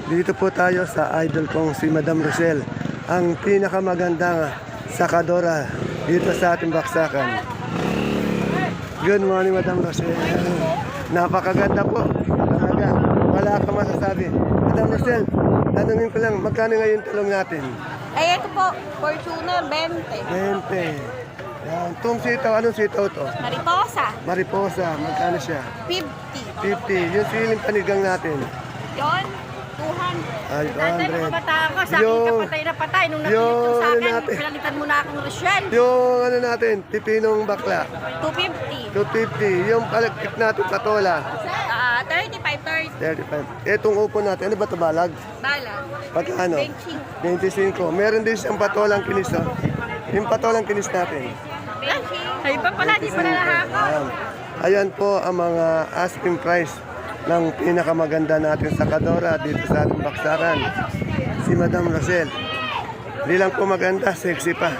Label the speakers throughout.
Speaker 1: Dito po tayo sa idol kong si Madam Rosel, ang pinakamagandang sakadora dito sa ating baksakan. Good morning, Madam Rosel. Napakaganda po. Talaga. Wala ka masasabi. Madam Rosel, tanungin ko lang, magkano ngayon talong natin?
Speaker 2: Ay, ito po, Fortuner, 20.
Speaker 1: 20. Yan. Itong sitaw, anong sitaw to?
Speaker 2: Mariposa,
Speaker 1: Mariposa, magkano siya?
Speaker 2: 50.
Speaker 1: 50. Yung siling panigang natin.
Speaker 2: Yon, 200.
Speaker 1: Ay,
Speaker 3: Dati nung
Speaker 1: 200.
Speaker 3: kabataan ko, sa akin
Speaker 1: Yung-
Speaker 3: ka patay na patay. Nung napilit
Speaker 1: yung
Speaker 3: ko sa
Speaker 1: ano
Speaker 3: akin,
Speaker 1: natin.
Speaker 3: pinalitan mo na akong Rochelle.
Speaker 1: Yung ano natin, pipinong bakla.
Speaker 2: 250.
Speaker 1: 250. Yung palagkit natin, patola.
Speaker 2: 35, 30.
Speaker 1: 35. Etong upo natin, ano ba ito balag?
Speaker 2: Bala.
Speaker 1: Pagkano?
Speaker 2: 25.
Speaker 1: 25. Meron din siyang patolang kinis, no? Yung patolang kinis natin.
Speaker 2: 20.
Speaker 3: Ay, iba pala, di pala lahako.
Speaker 1: Ayan. Ayan po ang mga asking price ng pinakamaganda natin sa Kadora dito sa ating baksakan. Si Madam Rosel. Hindi lang po maganda, sexy pa.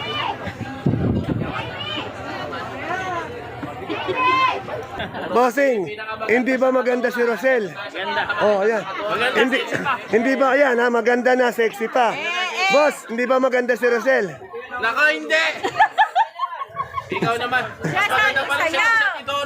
Speaker 1: Bossing, hindi ba maganda si Rosel? Maganda. Oh, ayan. Hindi ba, ayan ha, maganda na, sexy pa. Boss, hindi ba maganda si Rosel?
Speaker 4: Naka, hindi! Ikaw naman. Bakit na parang siya sa Tidoro?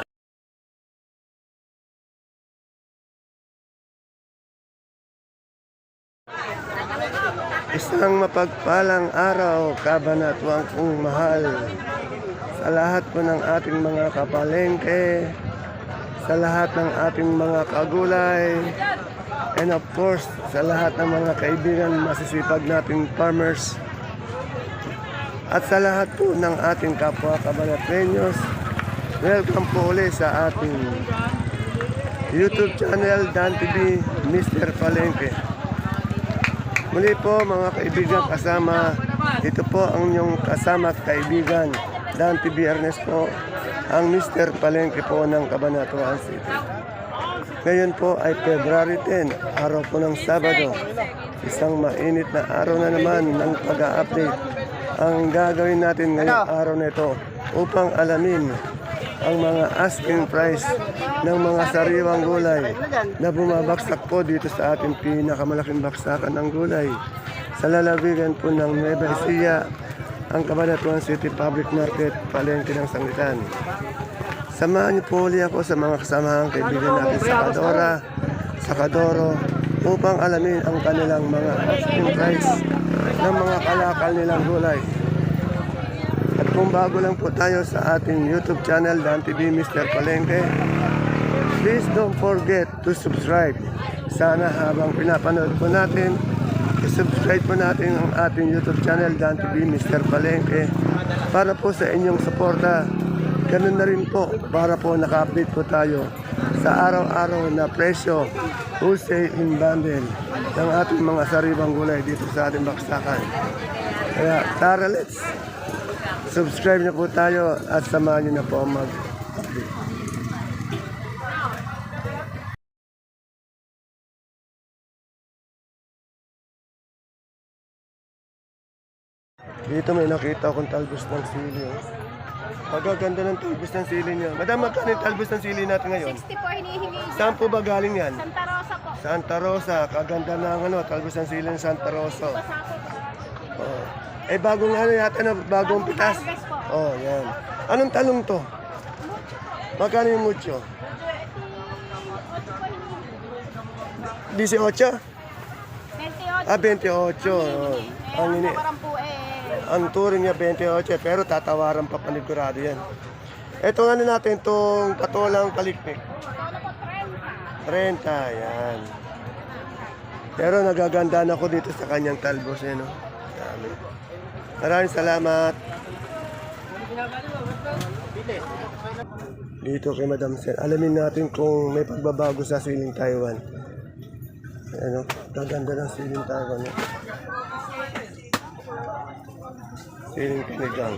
Speaker 1: Isang mapagpalang araw, kabanatwang kong mahal. Sa lahat po ng ating mga kapalengke, sa lahat ng ating mga kagulay, and of course, sa lahat ng mga kaibigan, masisipag nating farmers, at sa lahat po ng ating kapwa kabanatrenyos, welcome po ulit sa ating YouTube channel, Dan TV, Mr. Palengke. Muli po mga kaibigan, kasama, ito po ang inyong kasama at kaibigan, Dan TV Ernest po, ang Mr. Palengke po ng Cabanatuan City. Ngayon po ay February 10, araw po ng Sabado. Isang mainit na araw na naman ng pag-a-update. Ang gagawin natin ngayong araw na ito upang alamin ang mga asking price ng mga sariwang gulay na bumabaksak po dito sa ating pinakamalaking baksakan ng gulay. Sa lalawigan po ng Nueva Ecija, ang Cabanatuan City Public Market, palengke ng Sangitan. Samahan niyo po ulit ako sa mga kasamahang kaibigan natin sa Kadora, sa Kadoro, upang alamin ang kanilang mga asking price ng mga kalakal nilang gulay. At kung bago lang po tayo sa ating YouTube channel, Dan TV Mr. Palengke, please don't forget to subscribe. Sana habang pinapanood po natin, i-subscribe po natin ang ating YouTube channel, Dan TV Mr. Palengke, para po sa inyong suporta. Ganun na rin po, para po naka-update po tayo sa araw-araw na presyo, wholesale in bundle ng ating mga sariwang gulay dito sa ating baksakan. Kaya tara, let's subscribe na po tayo at samahan nyo na po mag-update. Dito may nakita akong talbos ng sili. Pagkaganda ng talbos ng sili niya. Madam, magkano yung talbos ng sili natin ngayon?
Speaker 2: 60 po hinihingi.
Speaker 1: Saan po ba galing yan?
Speaker 2: Santa Rosa po.
Speaker 1: Santa Rosa. Kaganda ng talbos ng sili ng Santa Rosa. Oh. Eh, bagong yata na, bagong pitas.
Speaker 2: Harvest po.
Speaker 1: Oh, yan. Anong talong to? Magkano yung mucho? 18?
Speaker 2: 28.
Speaker 1: Ah, 28. Oh. Ang ini.
Speaker 2: Parang po
Speaker 1: Ang turing niya 28, pero tatawaran pa panigurado yan. Ito ano natin, itong patolang kalikpik. 30, yan. Pero nagaganda na ako dito sa kanyang talbos, eh, no? Dami. Maraming salamat. Dito kay Madam Sen, alamin natin kung may pagbabago sa siling Taiwan. Ano, gaganda ng siling Taiwan. Eh. Siling pinigang.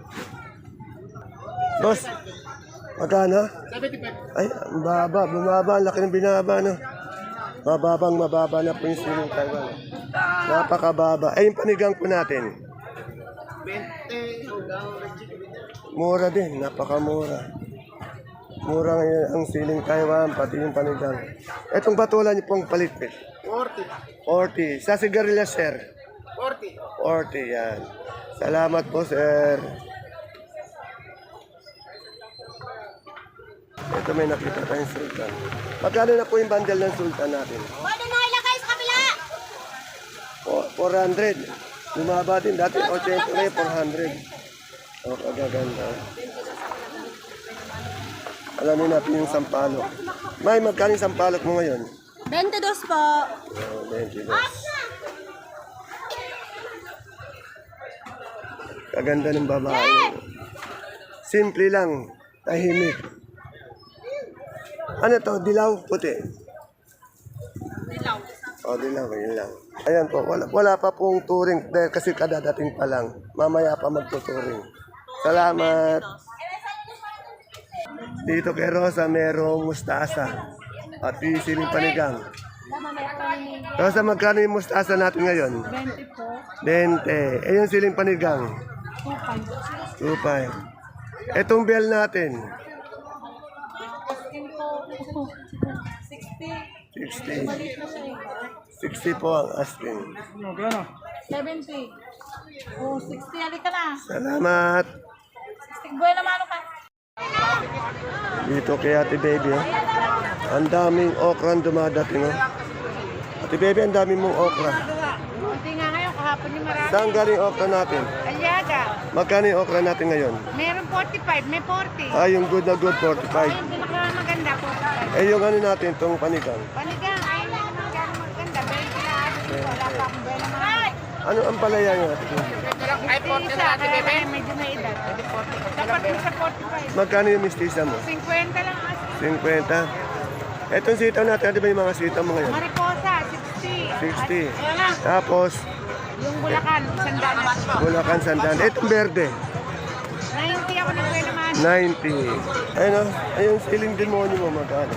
Speaker 1: Boss, magkano? 75. Ay, ang baba, bumaba, ang laki ng binaba, no? Mababa na po yung siling Taiwan. Napakababa. Ay, yung panigang po natin. 20. Mura din, napakamura. Mura ngayon ang siling Taiwan, pati yung panigang. Etong batulan niyo pong palitpit. 40. Sa sigarilyas, sir? 40, yan. Salamat po, sir. Ito may nakita tayong sultan. Magkano na po yung bundle ng sultan natin?
Speaker 3: Pwede na ilagay sa kabila.
Speaker 1: 400. Bumaba din. Dati 80 na 400. O, kagaganda. Alamin natin yung sampalok. May, magkano yung sampalok mo ngayon?
Speaker 2: 22 po.
Speaker 1: Oh, 22. Kaganda ng babae. Simple lang. Tahimik. Ano to? Dilaw? Puti?
Speaker 2: Dilaw.
Speaker 1: O, dilaw. Yun lang. Ayan po. Wala pa pong touring dahil kasi kadadating pa lang. Mamaya pa magtuturing. Salamat. Dito kay Rosa merong mustasa. At siling panigang. Rosa, magkano yung mustasa natin ngayon?
Speaker 2: 20 po.
Speaker 1: 20. Eh, yung siling panigang? 2.5. Etong bell natin? 60. 60 po ang asking.
Speaker 2: 70. Oh, 60. Halika na.
Speaker 1: Salamat.
Speaker 2: 60. Buhay naman ka.
Speaker 1: Dito kay Ate Baby. Oh. Ang daming okra ang dumadating. Oh. Ate Baby, ang daming mong okra.
Speaker 3: Hindi nga ngayon, kahapon yung marami.
Speaker 1: Saan galing okra natin?
Speaker 3: Aliaga.
Speaker 1: Magkano yung okra natin ngayon?
Speaker 3: Meron 45, may 40.
Speaker 1: Ah, yung good na good, 45.
Speaker 3: Yung pinakamaganda, 45.
Speaker 1: Eh, yung ano natin, itong panigang.
Speaker 3: Panigang, ayun na naman gano'ng maganda. 20 na ako dito. Wala pa akong buhay naman.
Speaker 1: Ano ang palaya nyo? Ate Baby?
Speaker 3: Ay, 40 na ate bebe. Medyo may edad. Dapat mo sa 45.
Speaker 1: Magkano yung mistisa mo?
Speaker 3: 50 lang as.
Speaker 1: 50. Etong sitaw natin, ano ba yung mga sitaw mo ngayon?
Speaker 3: Mariposa, 60.
Speaker 1: 60.
Speaker 3: Ayan na.
Speaker 1: Tapos,
Speaker 3: Yung Bulacan, sandanas.
Speaker 1: Bulacan Sandan. Etong berde,
Speaker 3: 90 ako nagbuhay naman.
Speaker 1: 90. Ayun o, ayun siling demonyo mo magkano?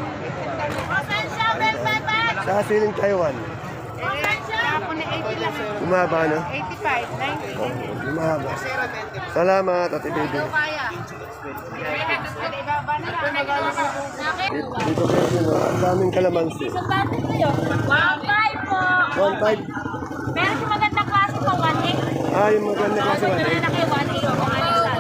Speaker 1: Sa siling Taiwan,
Speaker 3: Ako na 80 lang.
Speaker 1: bumaba no?
Speaker 3: 85, 90.
Speaker 1: Oh, bumaba. Salamat, Ate Baby.
Speaker 3: Kaya. Ibaba na lang.
Speaker 1: Dito kayo din, oh. Ang daming kalamansi.
Speaker 2: Bakit kayo? 1.5 po.
Speaker 1: 1.5.
Speaker 2: Meron si magandang klase po, 1.8.
Speaker 1: Ah, yung maganda kasi
Speaker 2: Meron na kayo, 1.8. Kung ano yung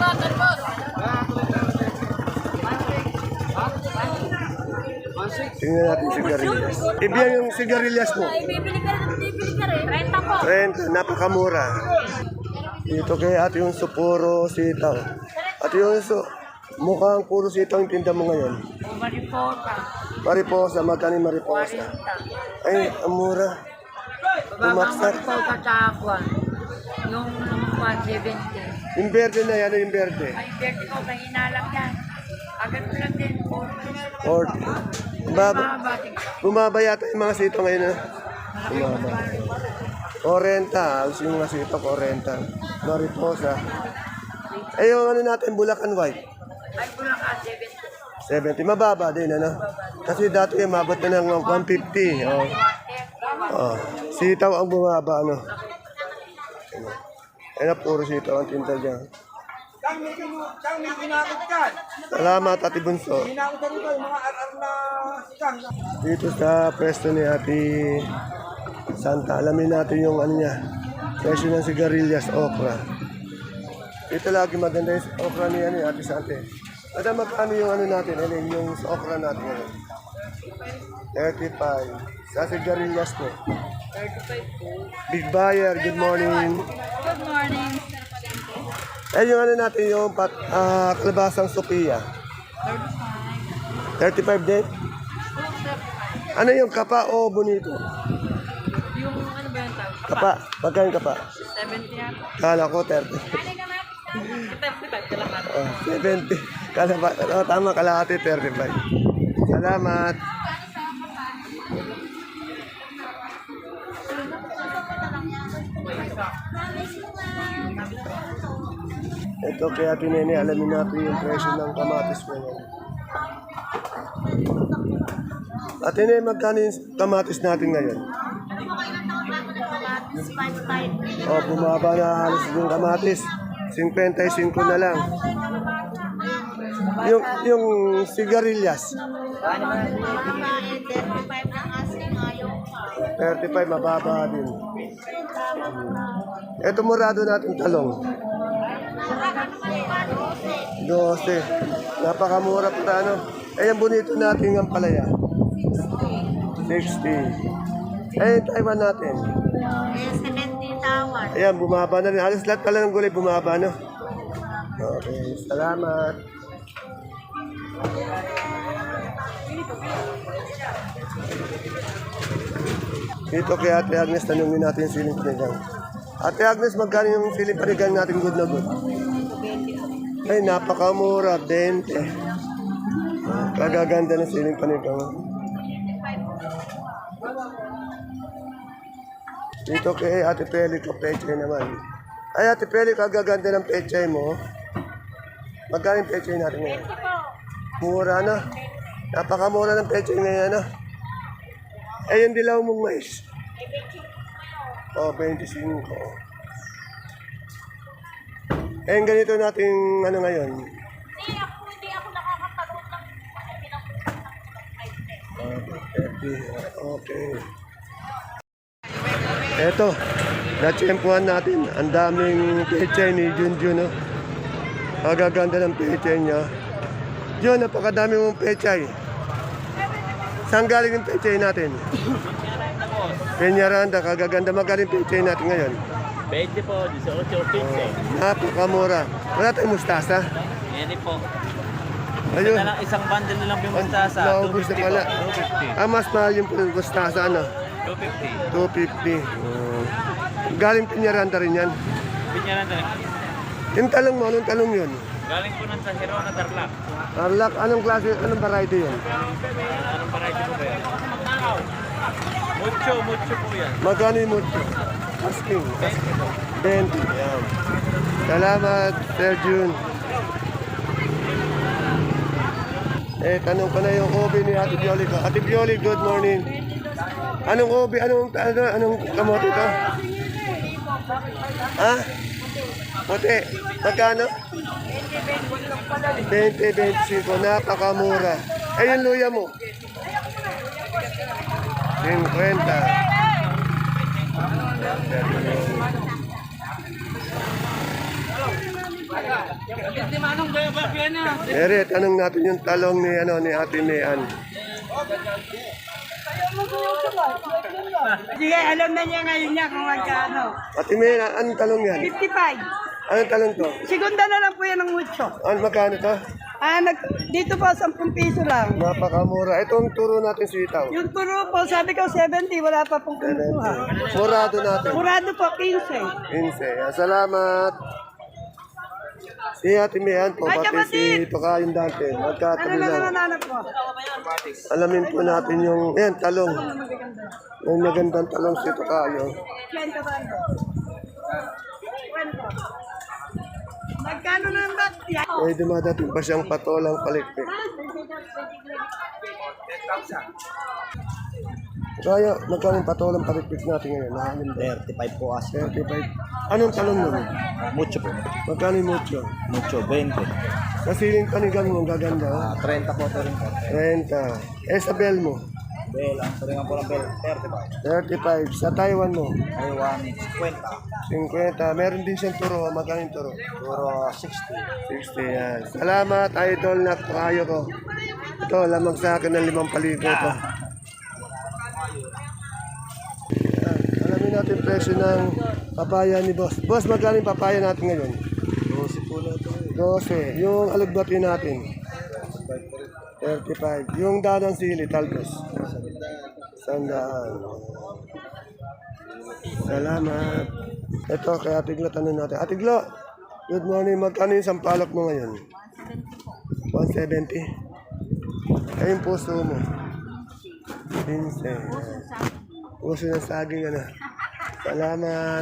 Speaker 1: tingnan natin sigarilyas. Ibiyan yung sigarilyas mo.
Speaker 2: bibili ka rin. 30 po.
Speaker 1: 30, napakamura. Dito kay ate yung puro sitaw. Ate yung mukhang puro sitaw yung tinda mo ngayon.
Speaker 3: Mariposa.
Speaker 1: Mariposa, magkano yung mariposa? Ay, ang mura. Bumaksak.
Speaker 3: Mariposa kakuan. Yung 170.
Speaker 1: Yung berde na yan, yung berde.
Speaker 3: Ay, berde ko, mahina lang yan. Agad ko lang din.
Speaker 1: 40. Bumaba yata yung mga sitaw ngayon na. Bumaba. 40, alos yung mga sitaw, 40. Mariposa. Eh, yung ano natin, Bulacan White.
Speaker 3: Ay, Bulacan 70.
Speaker 1: 70, mababa din, ano? Kasi dati yung mabot na ng 150. Oh. Oh. Sitaw ang bumaba, ano? Ayun na, puro sitaw ang tinta dyan. Salamat, Ate Bunso. Dito sa pwesto ni Ate Santa, alamin natin yung ano niya, presyo ng sigarilyas, okra. Dito lagi maganda yung okra ni Ate Santa. At magkano yung ano natin, yung okra natin ngayon? 35. Sa sigarilyas po.
Speaker 3: 35 po.
Speaker 1: Big buyer, good morning.
Speaker 3: Good morning.
Speaker 1: Eh, yung ano natin, yung kalabasang Sophia. 35 din? Ano yung kapa o bonito?
Speaker 3: Yung ano ba yung tawag?
Speaker 1: Kapa. Magkano kapa?
Speaker 3: 70 yan.
Speaker 1: Kala ko 30.
Speaker 3: 35 ka lang natin.
Speaker 1: Oh, 70. Tama, kalahati 35. Salamat. Ito kaya Nene, alamin natin yung presyo ng kamatis ngayon. Ate Nene, magkano yung kamatis natin ngayon? Oh, bumaba na halos yung kamatis. 55 na lang. Yung sigarilyas. 35, mababa din. Ito murado natin talong. 12. Napakamura pa ano. Ayan bonito natin ang palaya. 60. Ayan Taiwan natin.
Speaker 2: 70 tawad.
Speaker 1: Ayan, bumaba na rin. Halos lahat pala ng gulay bumaba, no? Okay, salamat. Dito kay Ate Agnes, tanungin natin yung siling panigang. Ate Agnes, magkano yung siling panigang natin good na good? Ay, napakamura, 20. Kagaganda ng siling panigang. Dito kay Ate Peli ko, pechay naman. Ay, Ate Peli, kagaganda ng pechay mo. Magkano yung pechay natin ngayon? Mura na. Napakamura ng pechay ngayon, ano? Eh, yung dilaw mong mais. Oh, 25. Eh, yung ganito natin, ano ngayon?
Speaker 2: Hindi ako nakakatalong lang.
Speaker 1: Okay. Eto, natsyempuhan natin. Ang daming pechay ni Junjun, no? Kagaganda ng pechay niya. Jun, napakadami mong pechay. Saan galing yung pechay natin? Peñaranda, kagaganda. Magaling pechay natin ngayon.
Speaker 4: 20 po, 18, 15.
Speaker 1: Napakamura. Wala tayong mustasa.
Speaker 4: Yan po.
Speaker 1: Ayun.
Speaker 4: Na lang isang bundle na lang yung mustasa.
Speaker 1: Naubos na pala.
Speaker 4: 250.
Speaker 1: Mas mahal yung mustasa, ano?
Speaker 4: 250.
Speaker 1: 250. Galing Peñaranda rin yan.
Speaker 4: Pinyaran na lang.
Speaker 1: Yung talong mo, anong talong yun?
Speaker 4: Galing po ng Sahiro na Tarlac.
Speaker 1: Tarlac, anong klase, anong variety yun?
Speaker 4: Anong variety po ba yan? Mucho po yan.
Speaker 1: Magkano yung mucho? Asking. 20. Yan. Salamat, Sir Jun. Eh, tanong ko na yung obi ni Ate Bioli ko. Ate Bioli, good morning. Anong obi? Anong kamote to? Ha? Puti. Magkano? 20-25. Napakamura. Eh, yung luya mo? 50. Ere, tanong natin yung talong ni Ate Mayan.
Speaker 3: Sige, alam na niya ngayon niya kung magkano.
Speaker 1: Ate Mayan, anong talong yan?
Speaker 3: 55.
Speaker 1: Anong talong to?
Speaker 3: Segunda na lang po yan ng mucho.
Speaker 1: Magkano to?
Speaker 3: Dito po, 10 piso lang.
Speaker 1: Napakamura. Ito ang turo natin sitaw.
Speaker 3: Yung turo po, sabi ko 70, wala pa pong kumukuha.
Speaker 1: Murado natin.
Speaker 3: Murado po, 15.
Speaker 1: 15. Salamat. Si Ate Mayan po,
Speaker 3: Ay,
Speaker 1: pati
Speaker 3: kapatid!
Speaker 1: si Tokayon dante. Magkatabi
Speaker 3: Ano
Speaker 1: lang.
Speaker 3: nananap po?
Speaker 1: Alamin po natin yung, talong. Yung magandang talong si Tokayo.
Speaker 3: 20 ba? 20. Magkano na ang bat?
Speaker 1: Eh, dumadating pa siyang patolang palikpik. Kaya, magkano yung patolang palikpik natin ngayon? Nahalim ba?
Speaker 5: 35 po as.
Speaker 1: 35. Anong talong nun?
Speaker 5: Mucho po.
Speaker 1: Magkano yung mucho?
Speaker 5: Mucho, 20.
Speaker 1: Sa siling panigang mo, ang gaganda.
Speaker 5: 30 po ito rin po.
Speaker 1: 30. Eh, sa bell mo?
Speaker 5: Bell, ang turingan po ng bell, 35.
Speaker 1: 35. Sa Taiwan mo?
Speaker 5: Taiwan, 50.
Speaker 1: 50. Meron din siyang turo. Magkano yung turo?
Speaker 5: Puro 60.
Speaker 1: 60 yan. Salamat, idol na kayo ko. Ito, lamang sa akin ng 5,000 ito. Yan. Alamin natin presyo ng papaya ni Boss. Boss, magkano yung papaya natin ngayon?
Speaker 5: 12 po na ito.
Speaker 1: 12. Yung alugbati natin? 35. Yung dadang sili, talbos? 100. Salamat. Ito, kay Ate Glo, tanong natin. Ate Glo, good morning. Magkano yung sampalok mo ngayon? 170. Ay, yung puso mo? 15. Puso ng saging, ano? Salamat.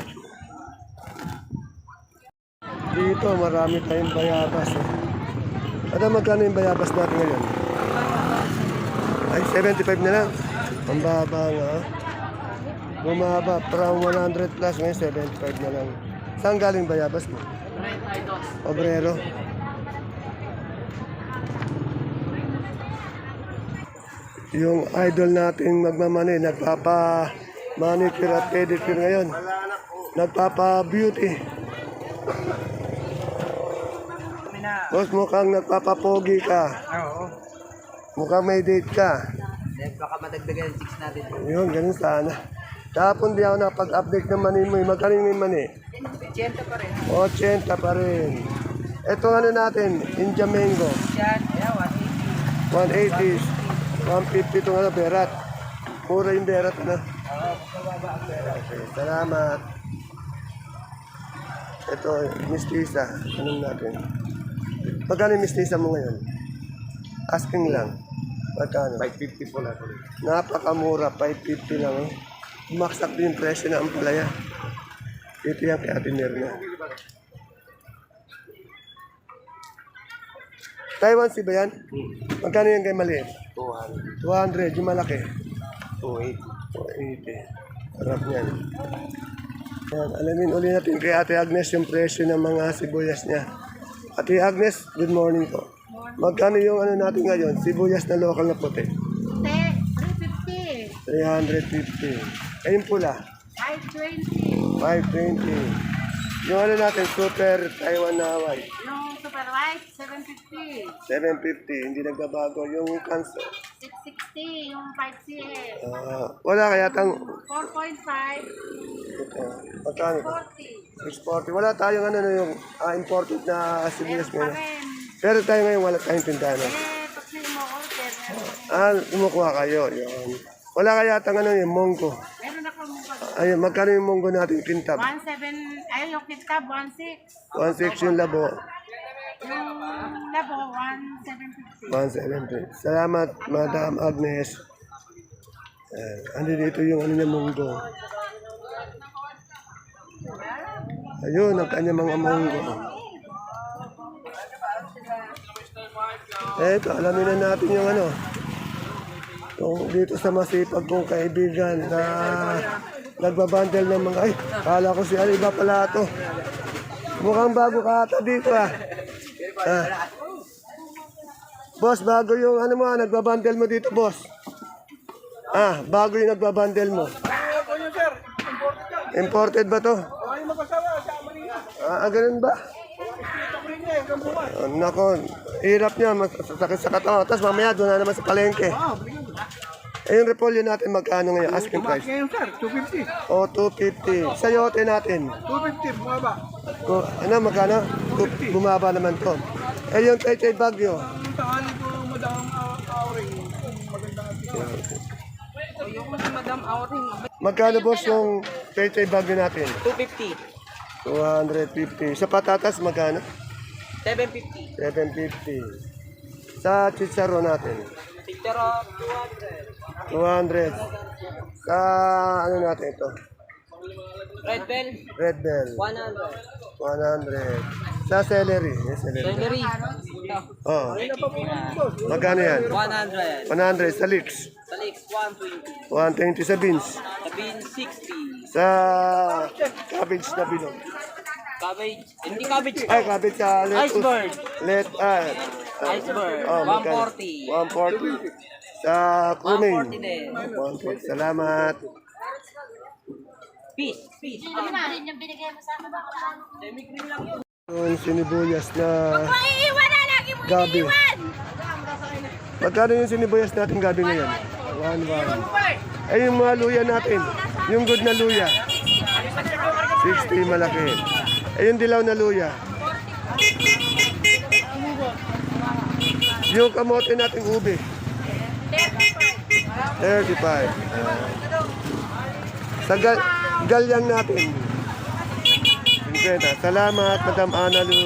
Speaker 1: Dito, marami tayong bayabas. Ano, magkano yung bayabas natin ngayon? Ay, 75 na lang. Ang baba nga. Bumaba, from 100 plus, ngayon 75 na lang. Saan galing bayabas mo? Obrero. Yung idol nating magmamani, nagpapa-manicure at pedicure ngayon. Nagpapa-beauty. Boss, mukhang nagpapapogi ka.
Speaker 5: Oo.
Speaker 1: Mukhang may date ka.
Speaker 5: Baka madagdagan yung 6 natin.
Speaker 1: Yun, ganun sana. Tapon di ako napag-update ng mani mo. Magkano yung mani?
Speaker 5: 80 pa rin.
Speaker 1: 80 pa rin. Ito ano natin, India Mango.
Speaker 5: Yan,
Speaker 1: 180. 150 itong ano, berat. Mura yung berat, ano? Okay, salamat. Ito, mistisa. Anong natin? Magkano yung mistisa mo ngayon? Asking lang. Magkano?
Speaker 5: 550 po lang.
Speaker 1: Napakamura, 550 lang. Eh. Bumaksak din yung presyo ng ampalaya. Ito yan kay Ate Mirna. Taiwan si ba yan? Magkano yan kay maliit? 200. 200, yung malaki?
Speaker 5: 280.
Speaker 1: 280. Sarap yan. Yan. Alamin uli natin kay Ate Agnes yung presyo ng mga sibuyas niya. Ate Agnes, good morning po. Magkano yung ano natin ngayon? Sibuyas na local na puti?
Speaker 3: 350.
Speaker 1: 350. Ayun pula?
Speaker 3: 520.
Speaker 1: 520. Yung ano natin, super Taiwan na Hawaii?
Speaker 3: Yung super white, 750.
Speaker 1: 750. Hindi nagbabago. Yung cancer?
Speaker 3: 660. Yung 5CL.
Speaker 1: Wala kaya tang
Speaker 3: 4.5.
Speaker 1: ito. Magkano?
Speaker 3: 40.
Speaker 1: 640. Wala tayong ano yung imported na sibuyas
Speaker 3: Pa
Speaker 1: ngayon.
Speaker 3: rin.
Speaker 1: Pero tayo ngayon wala tayong tindahan.
Speaker 3: Pag sino mo order,
Speaker 1: Kumukuha kayo. Yun. Wala kaya tang ano yung monggo.
Speaker 3: meron ako mong
Speaker 1: Ayun, magkano yung monggo natin kintab?
Speaker 3: 17, ay yung kitab, 16.
Speaker 1: 1.6 yung labo.
Speaker 3: Yung labo, 1,750.
Speaker 1: 1.70. Salamat, Madam Agnes. Andi dito yung ano niya monggo. Ayun, ang kanya mga monggo. Eto, alamin na natin yung ano. Yung dito sa masipag kong kaibigan na nagbabandel ng mga, ay, kala ko si iba pala ito. Mukhang bago ka ata dito ah. Boss, bago yung ano mo, nagbabandel mo dito, boss. Bago yung nagbabandel mo. Imported ba to? Ganun ba? Nako, hirap niya, sakit sa katawan. Tapos mamaya doon na naman sa palengke. Yung repolyo natin magkano ngayon? Asking price?
Speaker 5: Ngayon sir, 250.
Speaker 1: O, 250. Sayote natin?
Speaker 5: 250, bumaba.
Speaker 1: Ano, magkano? Bumaba naman to. Yung Pechay Bagyo?
Speaker 5: Ang tangali po, Madam Auring. Magandang
Speaker 1: Magkano boss yung Pechay Bagyo natin?
Speaker 5: 250.
Speaker 1: 250. Sa patatas magkano?
Speaker 5: 750.
Speaker 1: 750. Sa chicharo natin?
Speaker 5: Picture
Speaker 1: 200. Sa ano natin ito?
Speaker 5: Red Bell,
Speaker 1: Red Bell?
Speaker 5: 100.
Speaker 1: 100. Sa celery? Yes, celery.
Speaker 5: Celery,
Speaker 1: Oh. Magkano yan?
Speaker 5: 100.
Speaker 1: 100. Sa leeks?
Speaker 5: Sa Leaks, 120.
Speaker 1: 120 sa beans?
Speaker 5: Sa bean, 60.
Speaker 1: Sa cabbage na bilog?
Speaker 5: Cabbage, hindi cabbage.
Speaker 1: Ay, cabbage sa lettuce.
Speaker 5: Iceberg.
Speaker 1: Iceberg.
Speaker 5: Iceberg, 140.
Speaker 1: 140. Sa kuning?
Speaker 5: 140 din.
Speaker 1: 140. Salamat.
Speaker 5: Fish, fish.
Speaker 3: Yung binigay mo sa akin ba?
Speaker 1: Yung sinibuyas na
Speaker 3: Maiiwan na lagi mo
Speaker 1: gabi. Magkano yung sinibuyas natin gabi ngayon? 1. Ay, yung mga luya natin. Yung good na luya. 60 malaki. Ay, yung dilaw na luya. Yung kamote natin ube. 35. Sa galyang natin. 50. Salamat, Madam Analu.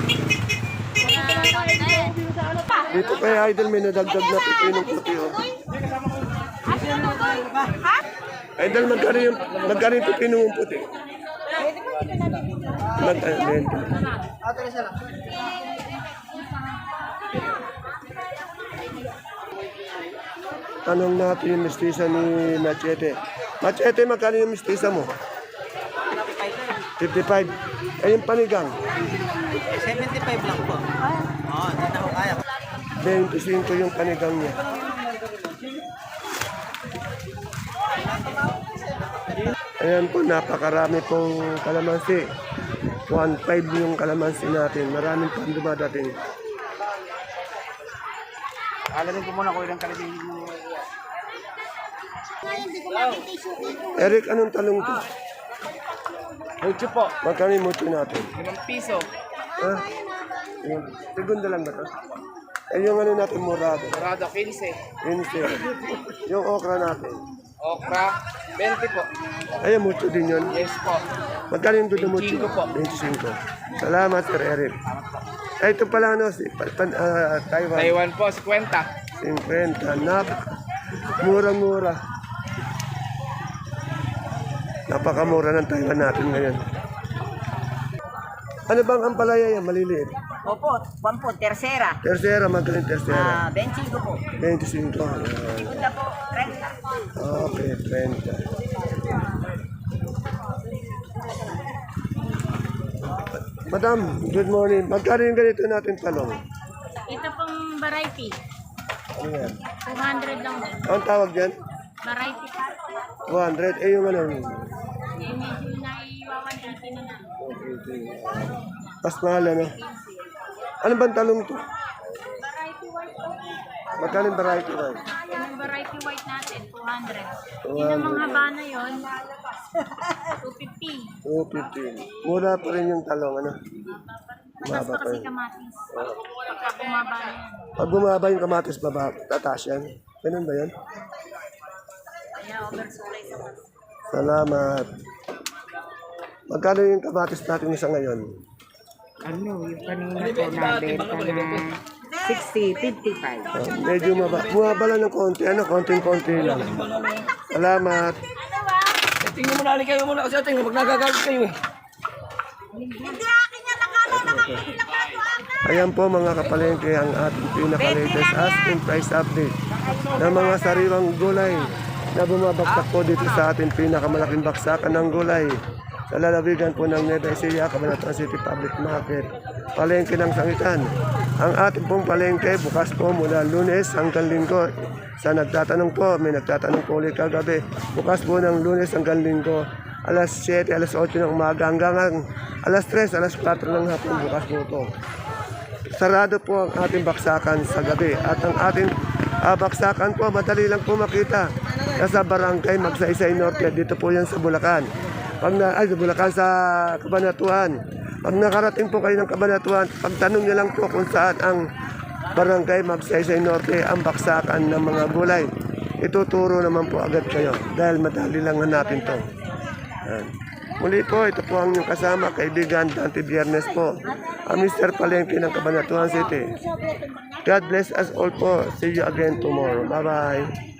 Speaker 1: Dito kay Idol may nadagdag na pipinong puti. Oh. Idol, magkano yung pipinong puti? Tanong natin yung mistisa ni Machete. Machete, magkano yung mistisa mo? 55. Eh, yung panigang?
Speaker 5: 75 lang po. Oo, hindi na ako kaya.
Speaker 1: 25 yung panigang niya. Ayan po, napakarami pong kalamansi. 1.5 yung kalamansi natin. Maraming pang dumadating.
Speaker 5: Alamin ko muna kung ilang kalibing mo.
Speaker 1: Eric, anong talong to?
Speaker 4: Mucho po.
Speaker 1: Magkano yung mucho natin?
Speaker 4: 5 piso.
Speaker 1: Ha? Yung, segunda lang ba to? Eh, yung ano natin, murado.
Speaker 4: Dorado 15.
Speaker 1: 15. Yung okra natin.
Speaker 4: Okra 20 po.
Speaker 1: Ayun, mucho din yun.
Speaker 4: Yes po.
Speaker 1: Magkano yung dudo mucho?
Speaker 4: 25 po.
Speaker 1: 25. Salamat, Sir Eric. Ay, ito pala, ano, Taiwan.
Speaker 4: Taiwan po 50.
Speaker 1: 50. Murang-mura. Napakamura ng Taiwan natin ngayon. Ano bang ampalaya yan? Maliliit.
Speaker 2: Opo, one po, tercera.
Speaker 1: Tercera, magkano yung tercera?
Speaker 2: 25 po.
Speaker 1: 25. Ayan.
Speaker 2: Segunda po, 30.
Speaker 1: Okay, 30. Madam, good morning. Magkano yung ganito natin talong?
Speaker 3: Ito pong variety.
Speaker 1: Ano yan?
Speaker 3: 200 lang din.
Speaker 1: Ang tawag dyan?
Speaker 3: Variety pa.
Speaker 1: 200. Eh, yung ano?
Speaker 3: Eh, medyo naiwawan 80 na lang.
Speaker 1: Mas mahal, ano? Ano bang talong to?
Speaker 3: Variety white po.
Speaker 1: Magkano yung variety white?
Speaker 3: Yung variety white natin, 200.
Speaker 1: 200.
Speaker 3: Yun ang mga haba na yun, 250.
Speaker 1: 250. Mura pa rin yung talong, ano?
Speaker 3: Matas
Speaker 1: Bumaba
Speaker 3: pa
Speaker 1: pa
Speaker 3: kasi
Speaker 1: yun.
Speaker 3: kamatis. Pagka bumaba na yan.
Speaker 1: Pag bumaba yung kamatis, tataas yan. Ganun ba yan?
Speaker 3: Kaya oversupply sa mas.
Speaker 1: Salamat. Magkano yung kamatis natin isa ngayon?
Speaker 6: Ano, yung kanina ko nabenta na 60, 55.
Speaker 1: Medyo bumaba lang ng konti. Ano, konting-konti lang. Salamat.
Speaker 5: Tingnan mo na, kayo muna kasi tingnan, pag nagagalit kayo eh.
Speaker 1: Ayan po mga kapalengke ang ating pinaka-latest asking price update ng mga sariwang gulay na bumabagsak po dito sa ating pinakamalaking baksakan ng gulay sa lalawigan po ng Nueva Ecija, Cabanatuan City Public Market, palengke ng Sangitan. Ang ating pong palengke bukas po mula Lunes hanggang Linggo. Sa nagtatanong po, may nagtatanong po ulit kagabi, bukas po ng Lunes hanggang Linggo, alas 7, alas 8 ng umaga hanggang alas 3, alas 4 ng hapon bukas po ito. Sarado po ang ating baksakan sa gabi at ang ating baksakan po madali lang po makita nasa barangay Magsaysay Norte, dito po yan sa Bulacan. Sa Bulacan sa Cabanatuan. Pag nakarating po kayo ng Cabanatuan, pagtanong niyo lang po kung saan ang barangay Magsaysay Norte, ang baksakan ng mga gulay. Ituturo naman po agad kayo dahil madali lang hanapin to. Yan. Muli po, ito po ang inyong kasama, kaibigan, Dante Biernes po, ang Mr. Palengke ng Cabanatuan City. God bless us all po. See you again tomorrow. Bye-bye.